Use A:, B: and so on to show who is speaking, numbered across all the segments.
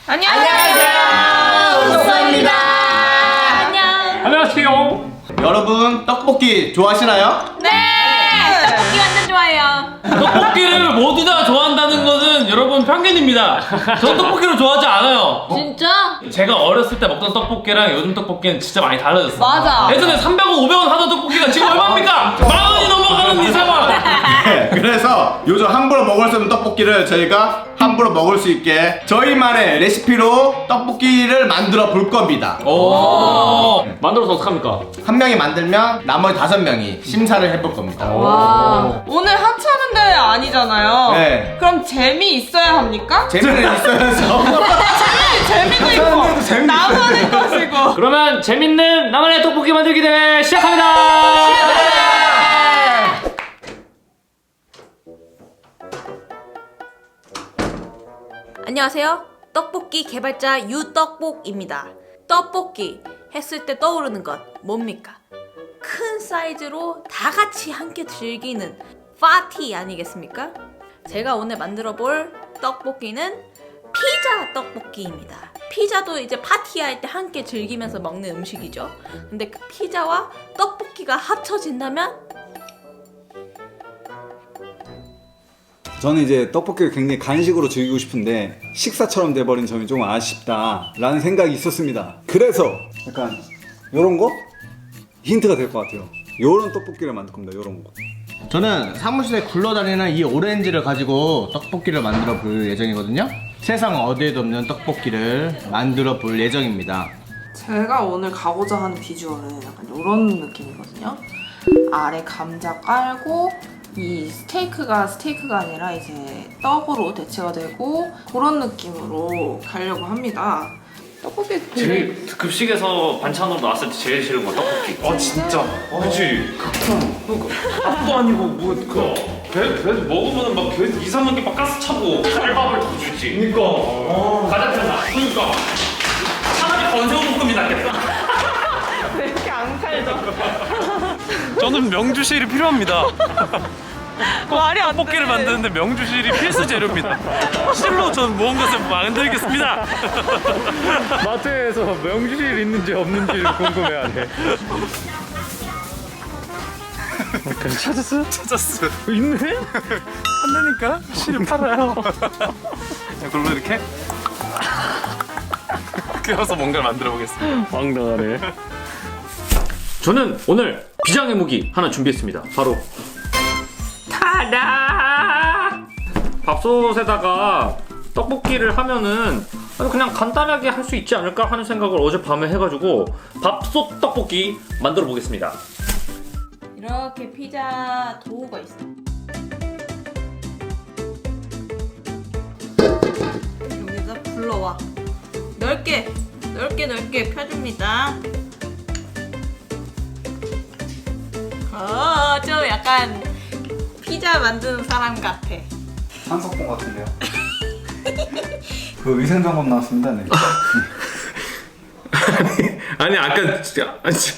A: 안녕하세요.
B: 우소입니다.
A: 안녕.
C: 안녕하세요.
B: 여러분 떡볶이 좋아하시나요?
A: 네. 떡볶이 완전 좋아해요.
C: 떡볶이를 모두 다 좋아한다는 것은 여러분 편견입니다. 전 떡볶이를 좋아하지 않아요.
A: 진짜?
C: 제가 어렸을 때 먹던 떡볶이랑 요즘 떡볶이는 진짜 많이 달라졌어요.
A: 맞아.
C: 예전에 300원, 500원 하던 떡볶이가 지금 얼마입니까? 10,000원이 넘어가는 이 상황.
B: 네, 그래서 요즘 함부로 먹을 수 없는 떡볶이를 저희가 함부로 먹을 수 있게 저희만의 레시피로 떡볶이를 만들어 볼 겁니다.
C: 오. 만들어서 어떡합니까?
B: 한 명이 만들면 나머지 5명이 심사를 해볼 겁니다.
A: 와.
D: 오늘 하찮은 대회 아니잖아요.
B: 네.
D: 그럼 재미 있어야 합니까?
B: 재미는 있어야죠.
D: 재미도
B: 하찮은데도
D: 있고
B: 재미
D: 나만의 것이고.
C: 그러면 재밌는 나만의 떡볶이 만들기 대회 시작합니다.
A: 안녕하세요. 떡볶이 개발자 유떡볶입니다. 떡볶이 했을 때 떠오르는 것 뭡니까? 큰 사이즈로 다 같이 함께 즐기는 파티 아니겠습니까? 제가 오늘 만들어 볼 떡볶이는 피자 떡볶이입니다. 피자도 이제 파티할 때 함께 즐기면서 먹는 음식이죠. 근데 그 피자와 떡볶이가 합쳐진다면
E: 저는 이제 떡볶이를 굉장히 간식으로 즐기고 싶은데 식사처럼 돼버린 점이 좀 아쉽다라는 생각이 있었습니다. 그래서 약간 요런 거? 힌트가 될 것 같아요. 요런 떡볶이를 만들 겁니다. 요런 거.
B: 저는 사무실에 굴러다니는 이 오렌지를 가지고 떡볶이를 만들어 볼 예정이거든요. 세상 어디에도 없는 떡볶이를 만들어 볼 예정입니다.
D: 제가 오늘 가고자 하는 비주얼은 약간 이런 느낌이거든요. 아래 감자 깔고 이 스테이크가 아니라 이제 떡으로 대체가 되고 그런 느낌으로 가려고 합니다. 떡볶이
C: 제일 급식에서 반찬으로 나왔을 때 제일 싫은 건 떡볶이. 아 진짜? 그치. 그러니까 밥도 아니고 배 먹으면 막 배 2, 3개 막 가스 차고 쌀밥을 더 주지. 그러니까. 가장 편하. 그러니까. 차라리 건새우볶음이 낫겠다.
D: 왜 이렇게 안 살죠?
C: 저는 명주실이 필요합니다.
D: 말이 안
C: 떡볶이를
D: 돼.
C: 만드는데 명주실이 필수 재료입니다. 실로 전 무언가를 만들겠습니다. 마트에서 명주실 있는지 없는지 궁금해하네. 찾았어? 찾았어. 있네? 한다니까? 실을 팔아요. 이걸로 이렇게 껴서 뭔가를 만들어 보겠습니다. 황당하네. 저는 오늘 비장의 무기 하나 준비했습니다. 바로 타다! 밥솥에다가 떡볶이를 하면은 그냥 간단하게 할 수 있지 않을까 하는 생각을 어젯밤에 해가지고 밥솥 떡볶이 만들어 보겠습니다.
A: 이렇게 피자 도우가 있어. 여기다 불러와. 넓게 펴줍니다. 좀 약간 피자 만드는 사람 같아.
E: 한석봉 같은데요? 그 위생점검 나왔습니다. 네.
C: 아니 아까 진짜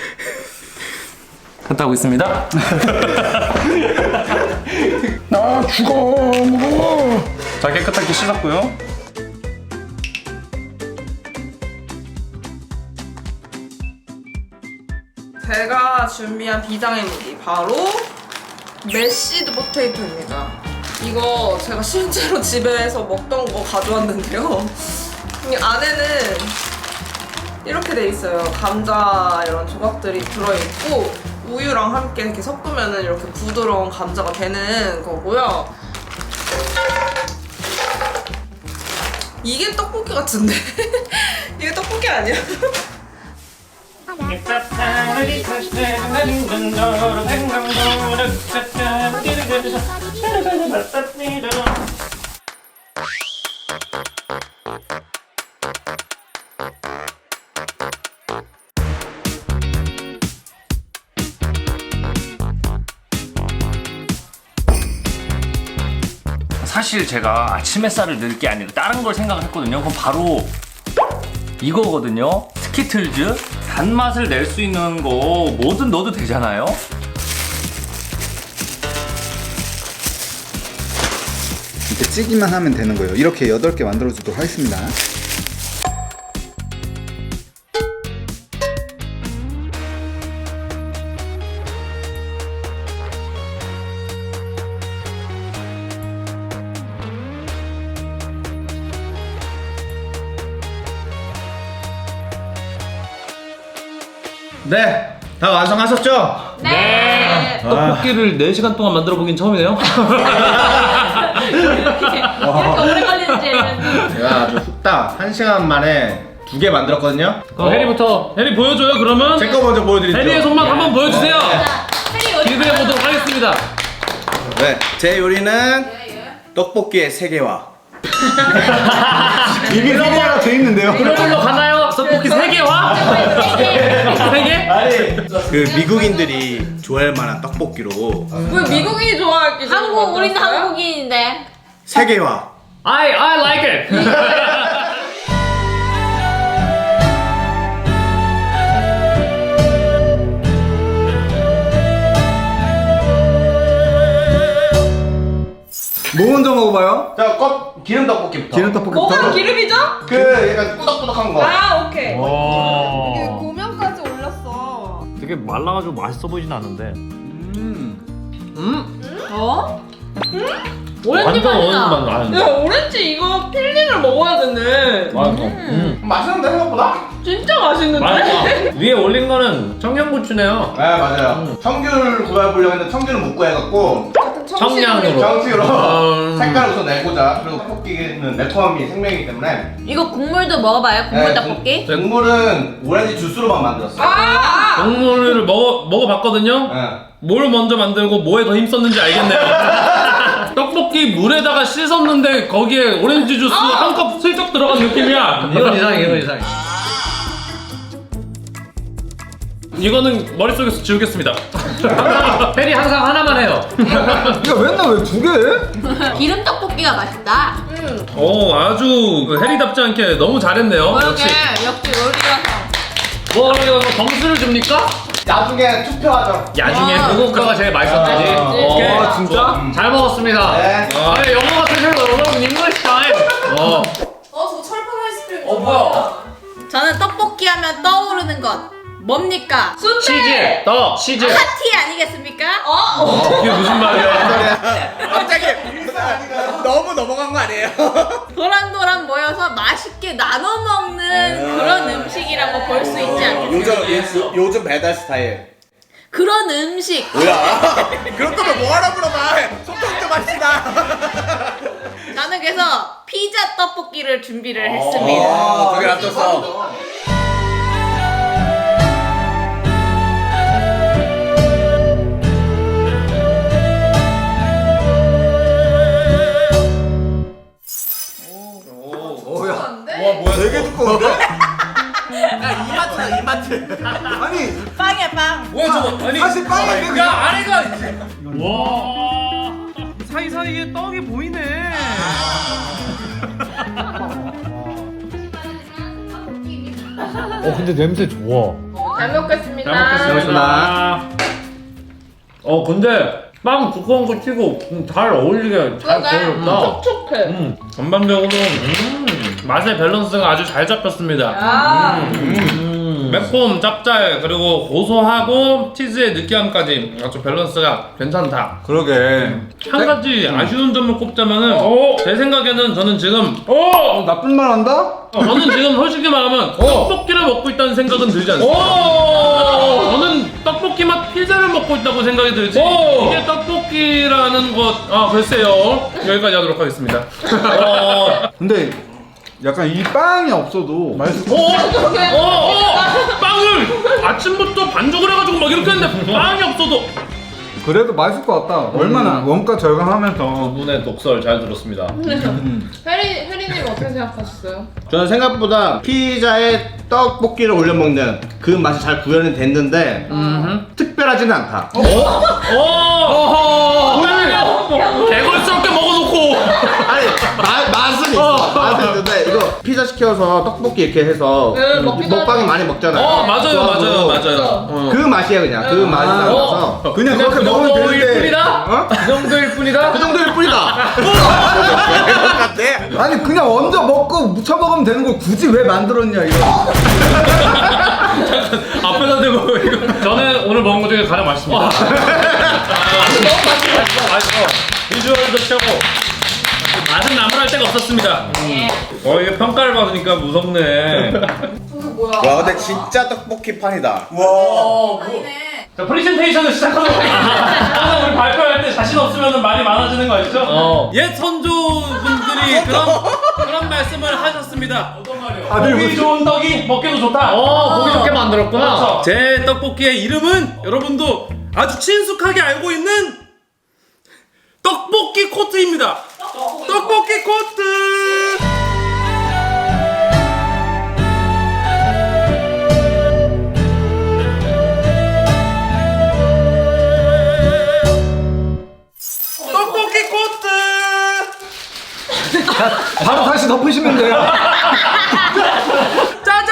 C: 갔다 오겠습니다.
B: 나 죽어.
C: 자 깨끗하게 씻었고요.
D: 제가 준비한 비장의 무기 바로 메시드 포테이토입니다. 이거 제가 실제로 집에서 먹던 거 가져왔는데요. 이 안에는 이렇게 돼 있어요. 감자 이런 조각들이 들어있고 우유랑 함께 이렇게 섞으면 이렇게 부드러운 감자가 되는 거고요. 이게 떡볶이 같은데? 이게 떡볶이 아니야?
C: 사실 제가 아침 햇살을 넣을 게 아니라 다른 걸 생각을 했거든요. 그럼 바로 이거거든요. 스키틀즈. 단맛을 낼 수 있는 거 뭐든 넣어도 되잖아요.
E: 이렇게 찌기만 하면 되는 거예요. 이렇게 8개 만들어주도록 하겠습니다.
B: 네, 다 완성하셨죠?
A: 네.
C: 떡볶이를 4시간 동안 만들어 보긴 처음이네요.
A: 이렇게 오래 걸리는지 알았는데.
B: 제가 아주 훅딱 1시간 만에 2개 만들었거든요.
C: 그럼 해리부터. 해리 보여줘요 그러면.
B: 제 거 먼저 보여드리죠.
C: 해리의 손맛 한번 보여주세요.
A: 자, 해리 어디
C: 기대해 보도록 하겠습니다.
B: 네, 제 요리는 떡볶이의 세계화.
E: 이미 세개가 돼 있는데요.
C: 이걸로 가나요? 떡볶이 3개와? 3개?
B: 아니, 그 미국인들이 좋아할 만한 떡볶이로
D: 왜 미국인이 좋아할 기준?
A: 한국 우리는 한국인인데.
B: 세계화.
C: I like it.
E: 뭐 먼저 먹어봐요?
B: 자, 기름 떡볶이부터.
E: 기름 떡볶이부터.
D: 뭐가 기름이죠?
B: 그 약간 꾸덕꾸덕한 거.
D: 아 오케이. 이게
C: 와.
D: 고명까지 올렸어.
C: 되게 말라가지고 맛있어 보이진 않는데.
A: 어? 오렌지
C: 완전
A: 맛이
C: 어느
A: 나.
C: 맛 나는데.
D: 야 오렌지 이거 필링을 먹어야 되네.
B: 맛있는데 생각보다?
D: 진짜 맛있는데?
C: 맛있어. 위에 올린 거는 청양고추네요.
B: 네, 맞아요. 청귤 구해보려고 했는데 청귤은 못 구해갖고
D: 같은
C: 청량으로.
B: 정식으로 색깔을 우선 내고자. 그리고 떡볶이는 매콤함이 생명이기 때문에
A: 이거 국물도 먹어봐요. 국물
B: 네,
A: 떡볶이.
B: 국물은 오렌지 주스로만 만들었어요.
D: 아!
C: 국물을 먹어봤거든요.
B: 네.
C: 뭘 먼저 만들고 뭐에 더 힘썼는지 알겠네요. 떡볶이 물에다가 씻었는데 거기에 오렌지 주스 한 컵 슬쩍 들어간 느낌이야. 이건 이상해, 이건 이상해. 이거는 머릿속에서 지우겠습니다. 페리 항상 하나만 해요.
E: 야 맨날 왜 2개?
A: 기름 떡볶이가 맛있다.
C: 오, 아주 그 해리답지 않게 너무 잘했네요.
A: 그러게
C: 역시.
A: 역시 요리라서.
C: 뭐 이거 점수를 줍니까?
B: 나중에 투표하죠.
C: 야중에
A: 아.
C: 그거가 제일 맛있었지.
B: 아,
C: 오케이.
E: 아, 진짜?
C: 잘 먹었습니다.
B: 네.
C: 아니, 영어가 되세요, 여러분. 잉글리시 타임.
D: 저 철판 아이스크림.
C: 뭐야?
A: 저는 떡볶이 하면 떠오르는 것 뭡니까?
C: 치즈, 떡, 치즈.
A: 파티 아니겠습니까?
C: 이게 무슨 말이야?
B: 갑자기 너무 넘어간 거 아니에요?
A: 도란도란 모여서 맛있게 나눠 먹는 그런 음식이라고 볼 수 있지 않겠습니까?
B: 요즘 배달 스타일.
A: 그런 음식.
B: 뭐야? 그럴 거면 뭐하라 물어봐. 소통 좀 합시다.
A: 저는 그래서 피자 떡볶이를 준비를 했습니다.
B: 두개 놔뒀어.
E: 되게 두꺼운데?
B: 야, 이마트다, 이마트.
E: 아니
A: 빵이야 빵.
C: 뭐야 저거? 아니,
E: 사실 빵인데
C: 야
E: 그냥.
C: 아래가 와 사이사이에 떡이 보이네.
F: 근데 냄새 좋아.
D: 잘 먹겠습니다.
C: 잘 먹겠습니다. 근데 빵 두꺼운 거 치고 잘 어울리게 잘 구워졌다.
D: 촉촉해.
C: 전반적으로 맛의 밸런스가 아주 잘 잡혔습니다.
D: 아.
C: 매콤, 짭짤, 그리고 고소하고 치즈의 느끼함까지 아주 밸런스가 괜찮다.
E: 그러게.
C: 한 가지 아쉬운 점을 꼽자면은 제 생각에는 저는 지금
E: 나쁜 말 한다?
C: 저는 지금 솔직히 말하면 떡볶이를 먹고 있다는 생각은 들지 않습니다. 저는 떡볶이 맛 피자를 먹고 있다고 생각이 들지 이게 떡볶이라는 것 글쎄요. 여기까지 하도록 하겠습니다.
E: 근데 약간 이 빵이 없어도 맛있을 것
C: 빵을 아침부터 반죽을 해가지고 막 이렇게 했는데 빵이 없어도
E: 그래도 맛있을 것 같다. 얼마나 원가 절감하면서.
C: 눈의 독설 잘 들었습니다.
D: 혜리님 어떻게 생각하셨어요?
B: 저는 생각보다 피자에 떡볶이를 올려 먹는 그 맛이 잘 구현이 됐는데 특별하지는 않다.
C: 개걸스럽게 먹어놓고
B: 아니 맛은 있어. 맛은 있는데 이거 피자 시켜서 떡볶이 이렇게 해서
D: 먹기도
B: 먹방이
D: 하죠.
B: 많이 먹잖아요.
C: 맞아요.
B: 그 맛이야 그냥. 그 맛이 나서
E: 그냥 그렇게
C: 그
E: 먹으면
C: 정도일
E: 되는데.
C: 뿐이다?
E: 어?
C: 그 정도일 뿐이다?
B: 그 정도일 뿐이다.
E: 아니 그냥 얹어 먹고 묻혀 먹으면 되는 걸 굳이 왜 만들었냐 이거.
C: 앞에다 대고 이거 저는 오늘 먹은 것 중에 가장 맛있습니다. 맛있어. 비주얼도 최고. 맛은 나무랄 데가 없었습니다. 이게 평가를 받으니까 무섭네.
D: 저거 뭐야?
B: 와 근데 진짜 떡볶이 판이다.
C: 자, 프레젠테이션을 시작하도록 하겠습니다. 항상 우리 발표할 때 자신 없으면 말이 많아지는 거 아시죠? 옛 선조분들이 그런 말씀을 하셨습니다. 어떤 말이요? 보기 좋은 떡이 먹기도 좋다.
F: 보기 좋게 만들었구나.
C: 그렇죠. 제 떡볶이의 이름은 여러분도 아주 친숙하게 알고 있는 떡볶이 코트입니다. 떡볶이 코트. 떡볶이 코트.
E: 바로 다시 덮으시면 돼요.
C: 짜잔.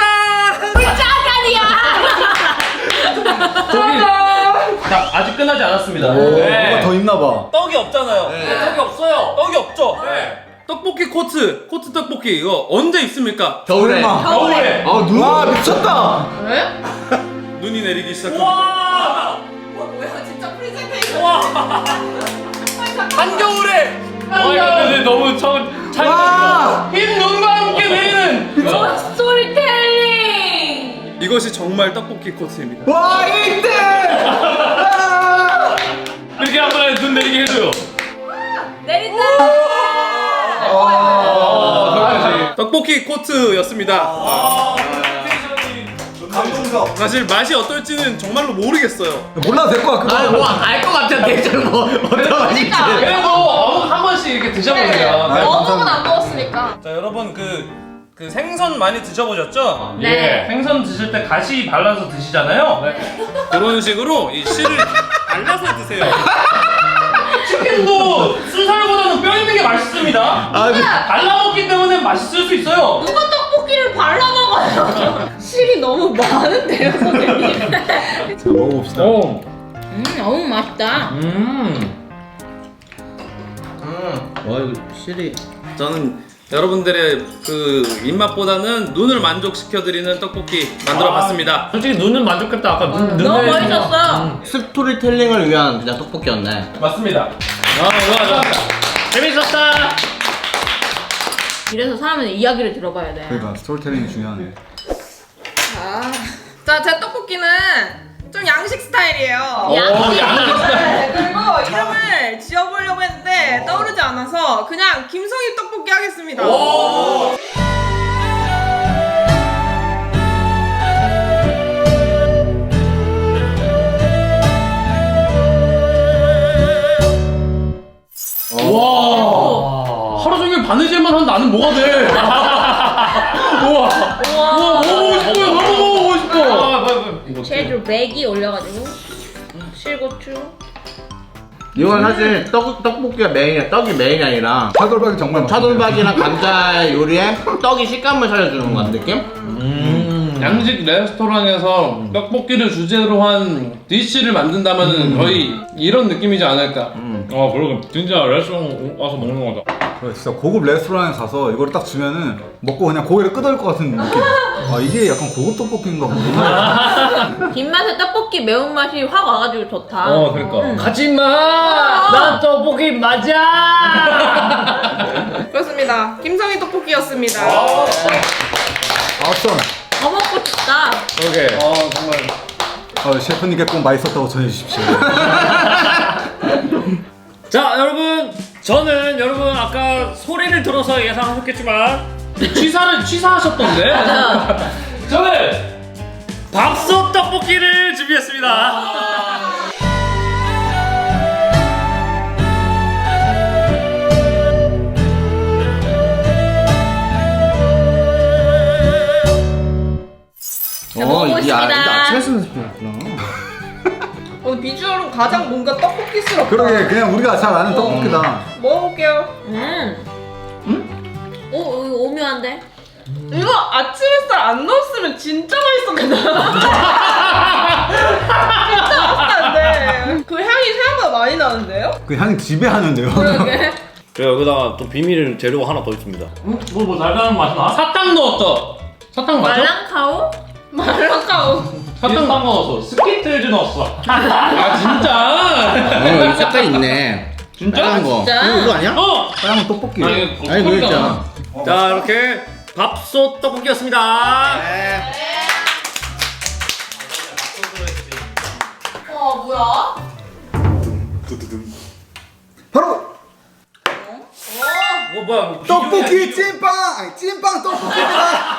C: 자, 아직 끝나지 않았습니다.
E: 뭐가 더 있나 봐.
C: 떡이 없잖아요. 떡이 없어요. 떡이 없죠. 떡볶이 코트 떡볶이 이거 언제 있습니까?
B: 겨울에.
C: 겨울에.
E: 와 미쳤다.
D: 왜?
C: 눈이 내리기 시작합니다.
D: 와 뭐야 진짜 프레젠테이션.
C: 한겨울에. 근데 너무 흰 눈과 함께 내리는
A: 스토리텔링.
C: 이것이 정말 떡볶이 코트입니다.
E: 와 1등.
C: 이렇게 한 번에 눈 내리게 해줘요.
A: 내린다.
C: 떡볶이 코트였습니다.
E: 감동석.
C: 사실 맛이 어떨지는 정말로 모르겠어요.
E: 몰라도 될 것 같고.
F: 뭐알것 같아. 대체 뭐 어떤 맛인지.
C: 그래도 어묵 한 번씩 이렇게 드셔보세요.
D: 어묵은 안 먹었으니까.
C: 자 여러분 그 생선 많이 드셔보셨죠?
A: 네.
C: 생선 드실 때 가시 발라서 드시잖아요. 그런 식으로 이 씨를 발라서 드세요. 치킨도 순살보다는 뼈 있는 게 맛있습니다. 발라 먹기 때문에 맛있을 수 있어요.
A: 누가 떡볶이를 발라 먹어요? 실이 너무 많은데요, 선생님.
E: 자 먹어봅시다.
A: 너무 맛있다.
B: 와 이거 실이.
C: 저는 여러분들의 그 입맛보다는 눈을 만족시켜드리는 떡볶이 만들어봤습니다.
F: 솔직히 눈은 만족했다. 아까 눈
A: 너무
F: 내리는 거.
A: 멋있었어.
B: 스토리텔링을 위한 그냥 떡볶이였네.
C: 맞습니다.
F: 좋아. 재밌었다.
A: 이래서 사람은 이야기를 들어봐야 돼.
E: 그러니까 스토리텔링이 중요하네.
D: 자, 제 떡볶이는 좀 양식 스타일이에요.
A: 양식
D: 네, 그리고 이름을 지어보려고 했는데 떠오르지 않아서 그냥 김성희 떡볶이 하겠습니다.
C: 와 하루 종일 바느질만 한 나는 뭐가 돼? 우와 너무 싶어요. 너무 먹어보고 싶어.
A: 채주 100이 올려가지고 실고추.
B: 이건 사실 떡볶이가 메인이야. 떡이 메인이 아니라
E: 차돌박이 정말 맛있네.
B: 차돌박이랑 감자 요리에 떡이 식감을 살려주는 것 같은 느낌?
C: 양식 레스토랑에서 떡볶이를 주제로 한 디쉬를 만든다면 거의 이런 느낌이지 않을까.
F: 그리고 진짜 레스토랑 와서 먹는 거다.
E: 그래, 진짜 고급 레스토랑에 가서 이걸 딱 주면은 먹고 그냥 고개를 끄덕일 것 같은 느낌. 아 이게 약간 고급 떡볶이인가 보구나.
A: 뒷맛에 떡볶이 매운맛이 확 와가지고 좋다.
F: 그러니까. 가지마. 난 떡볶이 맞아.
D: 그렇습니다. 김성희 떡볶이였습니다.
E: 아썸.
A: 더 먹고 싶다.
F: 오케이.
E: 정말. 셰프님께 꼭 맛있었다고 전해주십시오.
F: 자 여러분, 저는 여러분 아까 소리를 들어서 예상하셨겠지만
C: 취사하셨던데?
F: 저는 밥솥 떡볶이를 준비했습니다.
B: 이게
A: 먹어보겠습니다.
B: 아침에 쓰는 스푼이었구나.
D: 오늘 비주얼은 가장 뭔가 떡볶이스럽다.
E: 그러게 그냥 우리가 잘 아는 떡볶이다.
D: 먹어볼게요.
A: 오, 이거 오묘한데?
D: 이거 아침 햇살 안 넣었으면 진짜 맛있었겠다. 진짜 맛있다는데. 그 향이 생각보다 많이 나는데요?
E: 그 향이 지배하는데요.
A: 그러게.
F: 그리고 여기다가 또 비밀 재료가 하나 더 있습니다.
C: 뭐 달달한 맛이 나? 사탕 넣었다. 사탕 맞아?
A: 말랑카오?
D: 말랑카오.
C: 사탕 넣었어. 스키틀즈 넣었어. 아 진짜?
B: 이 색깔 있네. 빨간 거.
D: 진짜?
B: 이거 아니야?
F: 어!
E: 빨간 떡볶이.
B: 아니 그거 있잖아.
F: 자 이렇게 밥솥 떡볶이였습니다.
D: 뭐야?
E: 바로
F: 뭐야
E: 떡볶이 찐빵! 아니 찐빵 떡볶이입니다.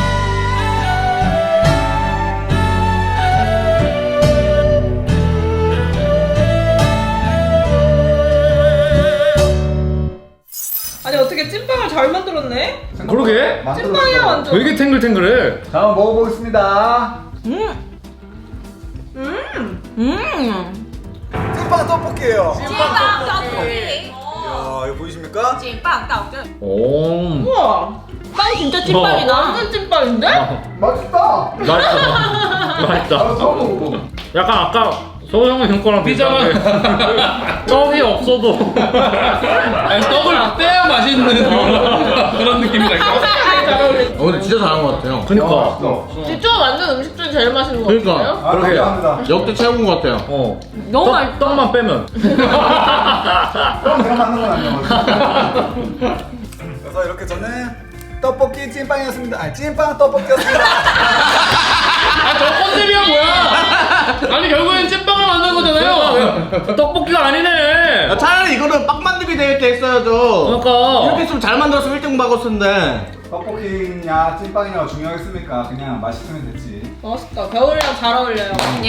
D: 아니 어떻게 찐빵을 잘 만들었네?
F: 그러게
D: 찐빵이야 완전.
F: 되게 탱글탱글해.
E: 자, 한번 먹어보겠습니다. 찐빵 떡볶이에요.
A: 찐빵 떡볶이.
E: 이야, 이거 보이십니까?
A: 찐빵 떡볶이.
F: 오
D: 우와.
A: 빵 진짜 찐빵이다.
D: 완전 찐빵인데?
E: 맛있다.
F: 맛있다. 맛있다.
E: 처음 먹어보.
F: 약간 아까 소영은 형 거랑 비슷한데 떡이 없어도
C: 아니 떡을 빼야 맛있는 그런 느낌이랄까.
D: 잘 어울려.
B: 근데 진짜 잘한 것 같아요.
F: 그니까
D: 진짜 완전 음식 중에 제일 맛있는 거
B: 그러니까.
D: 같아요?
E: 아,
F: 그러게.
E: 감사합니다.
B: 역대 최고인 것 같아요.
F: 어
A: 너무 맛있다.
F: 떡만 빼면
E: 그럼 제가 만든 건 아니에요. 그래서 이렇게 저는 떡볶이 찐빵이었습니다. 아니 찐빵 떡볶이였습니다.
F: 저 컨셉이야 뭐야? 아니 결국엔 찐빵을 만든 거잖아요. 떡볶이가 아니네.
B: 차라리 이거는 빵 만들기 대회 때 했어야죠.
F: 그러니까
B: 이렇게 했으면 잘 만들었으면 1등 받았을 텐데.
E: 떡볶이냐 찐빵이냐가 중요하겠습니까? 그냥 맛있으면 됐지.
D: 맛있다. 겨울이랑 잘 어울려요.
A: 예.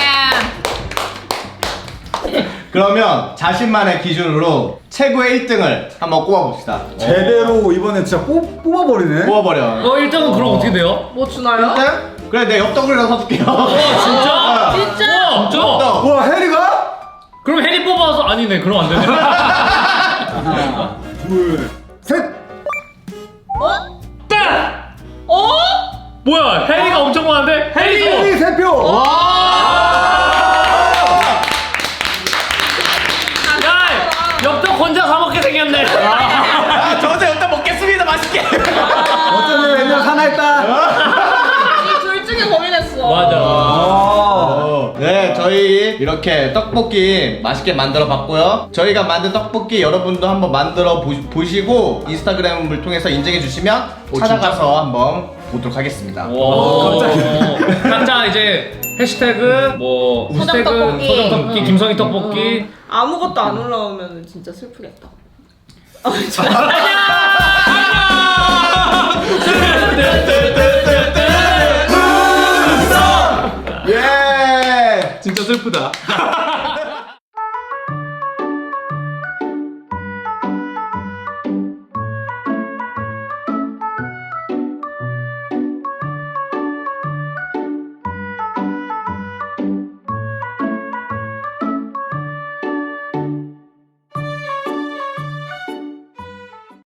B: 그러면 자신만의 기준으로 최고의 1등을 한번 꼽아봅시다.
E: 제대로 이번에 진짜 뽑아버리네.
B: 뽑아버려.
F: 1등은 그럼 어떻게 돼요?
D: 뭐 주나요?
B: 1등? 그래 내 옆떡이라도 사줄게요.
F: 진짜?
D: 진짜?
F: 진짜?
B: 엽떡.
E: 와 해리가?
F: 그럼 해리 뽑아서 아니네 그럼 안 되네.
E: 하나, 둘, 셋.
F: 딱!
D: 어?
F: 뭐야 해리가 엄청 많은데? 해리도!
E: 해리 세 표.
F: 야! 엽떡 혼자 사 먹게 생겼네.
B: 저 혼자 엽떡 먹겠습니다. 맛있게.
E: 어쩌면 웬열 하나 했다.
D: 이 둘 중에 고민했어.
F: 맞아.
B: 네, 저희 이렇게 떡볶이 맛있게 만들어 봤고요. 저희가 만든 떡볶이 여러분도 한번 만들어 보시고 인스타그램을 통해서 인증해 주시면 찾아가서 한번 보도록 하겠습니다.
F: 와. 각자 이제 해시태그 뭐 해시태그
D: 떡볶이.
F: 소정 떡볶이, 김성희 떡볶이.
D: 아무것도 안 올라오면 진짜 슬프겠다.
B: 예!
C: 진짜 슬프다.